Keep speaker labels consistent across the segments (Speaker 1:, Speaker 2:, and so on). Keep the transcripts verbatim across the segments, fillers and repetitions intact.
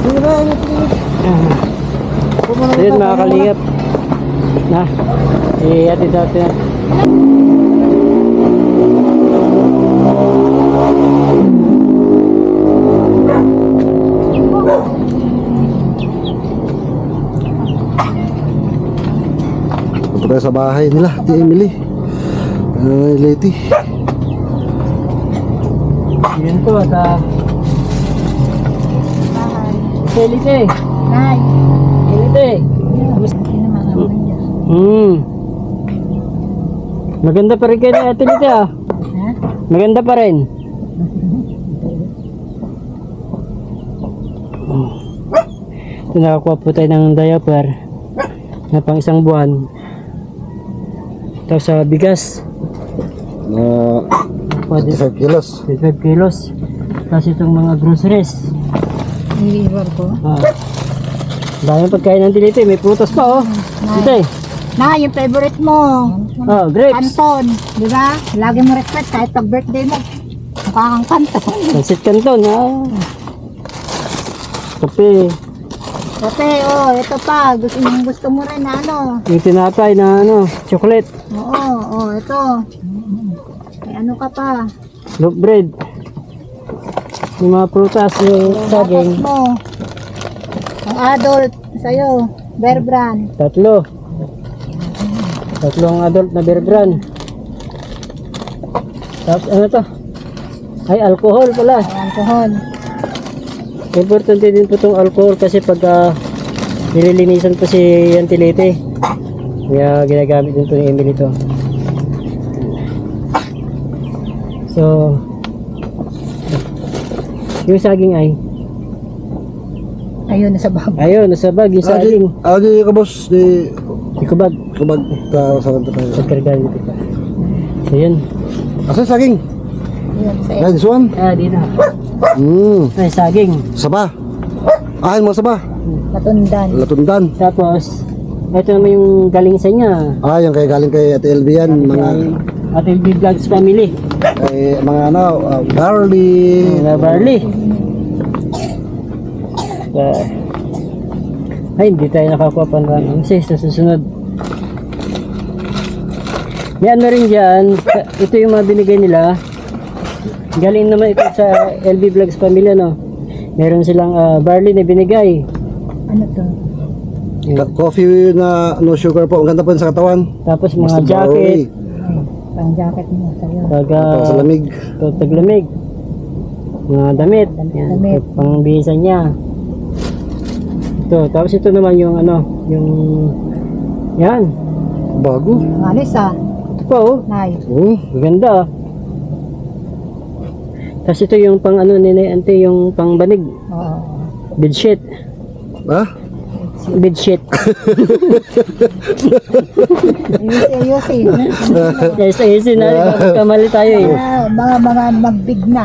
Speaker 1: Sige na, ingat, ingat.
Speaker 2: So yun mga kalingap. Na, i-atid natin.
Speaker 1: Punta tayo sa bahay nila, di Emily. Uh, Leti.
Speaker 2: Yun po, at ah... Elite.
Speaker 3: Nay.
Speaker 2: Elite. Hmm. Maganda pa rin kayo na ate Lite ah.
Speaker 3: Ha?
Speaker 2: Maganda pa rin. Ito, nakakuha po tayo ng diaper na pang isang buwan. Tapos sa bigas.
Speaker 1: Na
Speaker 2: Pwede
Speaker 1: five kilos.
Speaker 2: five kilos. Tapos itong mga groceries.
Speaker 3: Niliwar ko.
Speaker 2: Ah. Dami pagkain ng Lite. May prutas pa oh. Lite.
Speaker 3: Na, yung favorite mo.
Speaker 2: Oh, grapes.
Speaker 3: Canton. Di ba? Lagi mo request kahit pag birthday mo. Mukha kang canton.
Speaker 2: Pansit Canton ha. Kape.
Speaker 3: Kape, oh, ito pa. Gusto, yung gusto mo rin na ano.
Speaker 2: Yung tinapay na ano, chocolate.
Speaker 3: Oo, oh, ito. May ano ka pa.
Speaker 2: Loaf bread. Yung mga prutas, yung saging.
Speaker 3: Tapos mo. Ang adult, sa'yo. Bear Brand.
Speaker 2: Tatlo. Tatlong adult na beer brand. Tapos ano to? Ay, alcohol pala.
Speaker 3: Alcohol.
Speaker 2: Importante din po itong alcohol kasi pag uh, nililinisan po si Auntie Lite. Kaya ginagamit din po ni Emily to. So, yung saging ay
Speaker 3: Ayun, nasa bag.
Speaker 2: ayun, nasa bag yung saging.
Speaker 1: Agi ka boss, di
Speaker 2: Ikubag.
Speaker 1: kubag ka sa kanto tayo.
Speaker 2: Pagkargaan dito pa. So yun.
Speaker 1: Asa saging?
Speaker 3: Ayun, sa
Speaker 1: Yan, this one.
Speaker 2: Ah, dito.
Speaker 1: Hmm,
Speaker 2: Ay, saging.
Speaker 1: saba. Ah, yung mga saba.
Speaker 3: Matundan.
Speaker 1: Latundan.
Speaker 2: Tapos, ito naman yung galing sa niya.
Speaker 1: Ah, yung kay galing kay Ate L B yan, mga
Speaker 2: At L B Vlogs family.
Speaker 1: kay mga ano, uh, barley.
Speaker 2: Mga barley. Uh, ay, hindi tayo nakakuha pa ng kasi sa susunod. May ano rin dyan, ito yung mga binigay nila. Galing naman ito sa L B Vlogs family, no? Meron silang uh, barley na binigay.
Speaker 3: Ano to?
Speaker 1: Ka- Coffee na no sugar po. Ang ganda po yun sa katawan.
Speaker 2: Tapos mga
Speaker 1: Basta
Speaker 2: jacket,
Speaker 3: Ay, pang jacket mo sa'yo.
Speaker 2: taga
Speaker 1: Para sa lamig.
Speaker 2: taglamig, mga damit, yan,
Speaker 3: Damit.
Speaker 2: pangbihisan niya. Ito, tapos ito naman yung ano, yung yan,
Speaker 1: Bago.
Speaker 3: Ang alis ah.
Speaker 2: ito pa oh,
Speaker 3: Nay.
Speaker 1: Oh,
Speaker 2: maganda ah. Tapos ito yung pang ano nila, ante yung pang banig,
Speaker 3: Oo.
Speaker 2: bedsheet,
Speaker 1: ah?
Speaker 2: bedsheet.
Speaker 3: Ayusin, ayusin.
Speaker 2: Yes, ayusin na, kamali tayo eh.
Speaker 3: Ah, mga mga magbig na.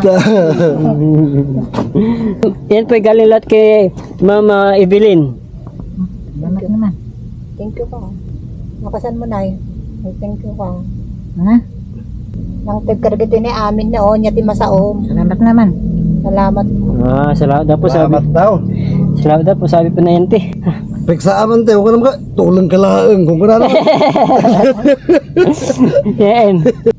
Speaker 2: Yan po galing lahat kay Mama Evelyn.
Speaker 3: Salamat naman. Thank you pa. Nakasan mo, Nay. Ay, thank you pa. Ha? Nang tagkaragati ni amin na o, niya ti masaom. Salamat naman. Salamat.
Speaker 2: Ah, salamat daw po sabi.
Speaker 1: Salamat daw.
Speaker 2: Salamat daw po sabi po na yan te.
Speaker 1: Peksa aman tayo. Huwag ka naman ka. Tulang ka laang. Kung ka na naman.
Speaker 2: Yan.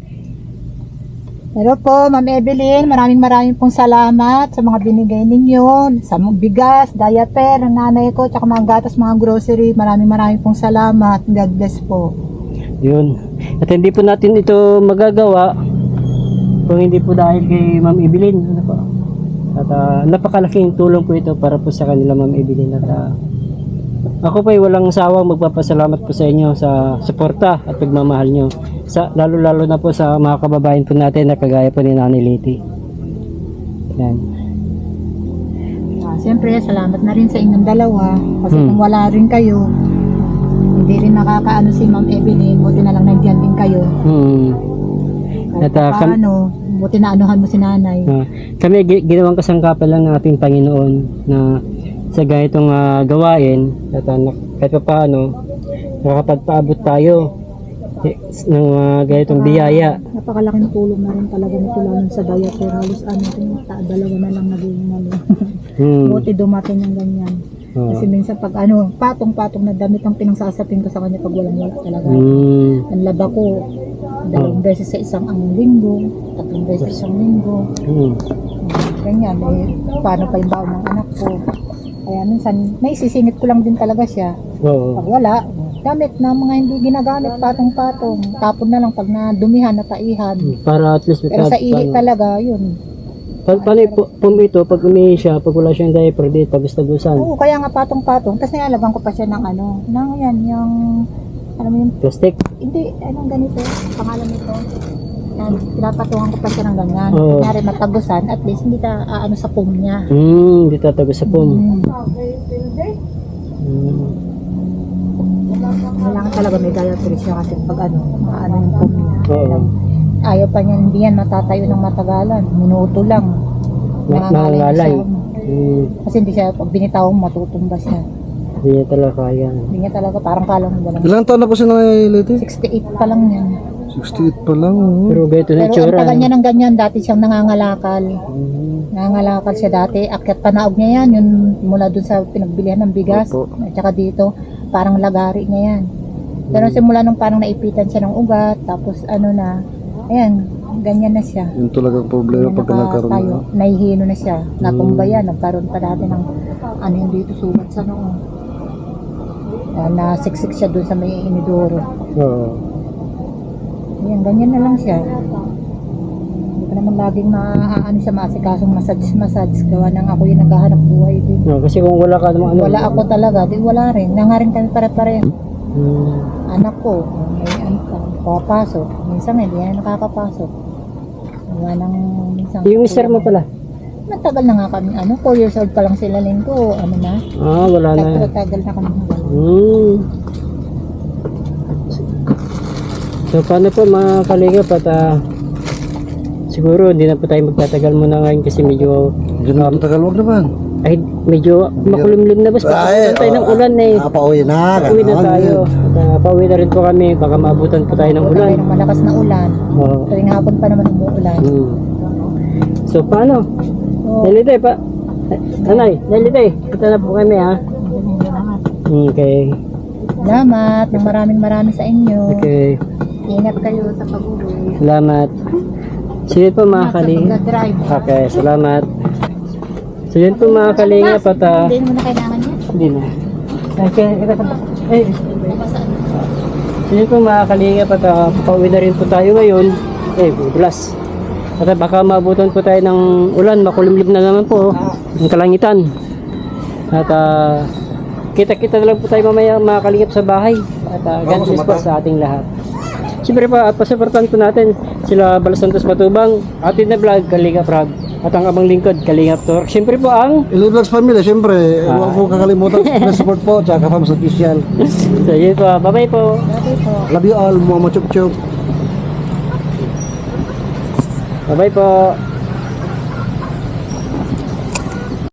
Speaker 3: Hello po, Ma'am Evelyn. Maraming maraming pong salamat sa mga binigay ninyo. Sa mga bigas, diaper, ng nanay ko, tsaka mga gatas, mga grocery. Maraming maraming pong salamat. God bless po.
Speaker 2: Yun. At hindi po natin ito magagawa kung hindi po dahil kay Ma'am Evelyn. Ano po? At uh, napakalaking tulong po ito para po sa kanila, Ma'am Evelyn. At uh, ako po ay walang sawang magpapasalamat po sa inyo sa suporta at pagmamahal nyo. Sa, lalo-lalo na po sa mga kababayan po natin na kagaya po ni Nanay Leti. Yan.
Speaker 3: Ah, Siyempre, salamat na rin sa inyong dalawa. Kasi
Speaker 2: Hmm.
Speaker 3: kung wala rin kayo, hindi rin nakakaano si Ma'am Evelyn. Buti na lang nandiyan din kayo.
Speaker 2: Hmm.
Speaker 3: Kahit
Speaker 2: At, ah, kam-
Speaker 3: paano, buti na anuhan mo si nanay.
Speaker 2: Uh, kami gi- ginawang kasangkapan lang ng ating Panginoon na sa ganitong uh, gawain at uh, na- kahit pa paano nakakapagpaabot tayo eh, ng uh, ganitong biyaya.
Speaker 3: Napakalaking tulong na rin talaga nito lalo sa diaper. Halos ano, ta- dalawa na lang naging ano.
Speaker 2: Hmm.
Speaker 3: Buti dumating yung ganyan.
Speaker 2: Oo.
Speaker 3: Kasi minsan pag ano, patong-patong na damit ang pinangsasapin ko sa kanya pag walang wala talaga.
Speaker 2: Hmm.
Speaker 3: Ang laba ko, dalawang beses sa isang ang linggo, tatlong beses sa isang linggo.
Speaker 2: Hmm.
Speaker 3: Ganyan, eh, paano pa yung baon ng anak ko. Kaya minsan, naisisingit ko lang din talaga siya.
Speaker 2: Oo.
Speaker 3: Pag wala, gamit na mga hindi ginagamit, patong-patong. Tapon na lang pag nadumihan, nataihan.
Speaker 2: Para at least
Speaker 3: Pero sa ihi talaga, yun.
Speaker 2: Pa paano yung pu- pum ito, pag umihi siya, pag wala siyang diaper dito, tagos-tagusan.
Speaker 3: Oo, kaya nga patong-patong. Tapos nilalagyan ko pa siya ng ano, ng yan, yung, alam mo yun,
Speaker 2: Plastic.
Speaker 3: hindi, anong ganito, pangalan nito. Yan, pinapatungan ko pa siya ng ganyan.
Speaker 2: Oo.
Speaker 3: Kunyari matagusan, at least hindi ta, ah, ano sa pum niya.
Speaker 2: Hmm, di tatagos sa pum.
Speaker 3: Mm.
Speaker 2: Hmm.
Speaker 3: Kailangan talaga may dietary siya kasi pag ano, maano yung pum niya.
Speaker 2: Oo.
Speaker 3: Ayaw pa niya, hindi yan matatayo ng matagalan. Minuto lang.
Speaker 2: Na-
Speaker 3: Nangangalay na
Speaker 2: nangangalay.
Speaker 3: siya.
Speaker 2: Hmm.
Speaker 3: Kasi hindi siya, pag binitaw mo, matutumba siya.
Speaker 2: Hindi niya talaga kaya.
Speaker 3: Hindi niya talaga, parang kalang mo lang.
Speaker 1: Ilang taon na po si Nanay Leti?
Speaker 3: sixty-eight pa lang yan.
Speaker 1: sixty-eight pa lang. oh.
Speaker 2: Pero ganito na
Speaker 3: Pero ang
Speaker 2: itsura.
Speaker 3: taga
Speaker 2: no?
Speaker 3: niya ng ganyan, dati siyang nangangalakal.
Speaker 2: Hmm.
Speaker 3: Nangangalakal siya dati. Akyat panaog niya yan, yun mula dun sa pinagbilihan ng bigas.
Speaker 1: Opo.
Speaker 3: At saka dito, parang lagari niya yan. Pero simula nung parang naipitan siya ng ugat, tapos ano na, ayan, ganyan na siya.
Speaker 1: Yun talagang problema
Speaker 3: Ganyan
Speaker 1: pag nagkaroon
Speaker 3: nakatayo.
Speaker 1: na.
Speaker 3: Nahihino na siya. Natumba yan. Nagkaroon pa dati ng ano yun dito, sugat sa noo. Uh, nasiksik siya dun sa may inidoro.
Speaker 2: Oo.
Speaker 3: Ayan, ganyan na lang siya. Hindi ko naman laging maaano siya maasikasong massage-massage. Gawa nang ako yung naghahanap buhay din.
Speaker 2: No, kasi kung wala ka namang ano.
Speaker 3: Wala ako talaga, di wala rin. Nangaring kami pare-pare.
Speaker 2: Hmm.
Speaker 3: Anak ko, may ano pa, papasok. Minsan hindi na nakakapasok. Gawa nang minsan.
Speaker 2: Yung mister mo pala.
Speaker 3: Matagal na nga kami, ano, four years old pa lang sila linggo, ano na.
Speaker 2: Ah, wala na.
Speaker 3: Tagal na kami.
Speaker 2: Hmm. So paano po mga kalingap at ah, siguro hindi na po tayo magtatagal muna ngayon kasi medyo
Speaker 1: Diyan na matagal, wag naman.
Speaker 2: ay medyo makulimlim na boss. Pagkakutan tayo ng ulan eh.
Speaker 1: Ah, pauwi na.
Speaker 2: Pauwi na
Speaker 1: ganon.
Speaker 2: tayo. At uh, pauwi na rin po kami. Baka maabutan po tayo ng
Speaker 3: Ulan.
Speaker 2: ulan.
Speaker 3: Ng malakas na ulan.
Speaker 2: Oo.
Speaker 3: Tuwing hapon pa naman umuulan.
Speaker 2: Hmm. So paano?
Speaker 3: So,
Speaker 2: Nalite pa. Anay, nalite. Ito na po kami ha. Okay.
Speaker 3: salamat ng maraming maraming sa inyo.
Speaker 2: Okay.
Speaker 3: Ingat kayo sa pag-uwi.
Speaker 2: Salamat. Sige po mga
Speaker 3: Sa
Speaker 2: kalingap.
Speaker 3: pag-drive.
Speaker 2: Okay, salamat. So yun po mga kalingap at ah,
Speaker 3: Hindi mo na kailangan yan.
Speaker 2: hindi na. Okay, ito pa. Eh, so yun po mga kalingap at uh, pauwi na rin po tayo ngayon. Eh, bulas. At uh, baka maabutan po tayo ng ulan, makulimlim na naman po ang kalangitan. At uh, kita-kita na lang po tayo mamaya mga kalingap sa bahay. At uh, God bless po sa ating lahat. Siyempre pa, at pasuportan po natin sila Bal Santos Matubang, Atin na Vlog, Kalingap Rab, at ang abang lingkod, Kalingap Tor. Siyempre po ang
Speaker 1: Ili Vlogs Family, siyempre,
Speaker 2: Ah.
Speaker 1: huwag po kakalimutan na support po, tsaka Fams Official.
Speaker 2: so yun po, bye-bye po.
Speaker 3: Dati po.
Speaker 1: Love you all, mga chup-chup.
Speaker 2: Bye-bye po.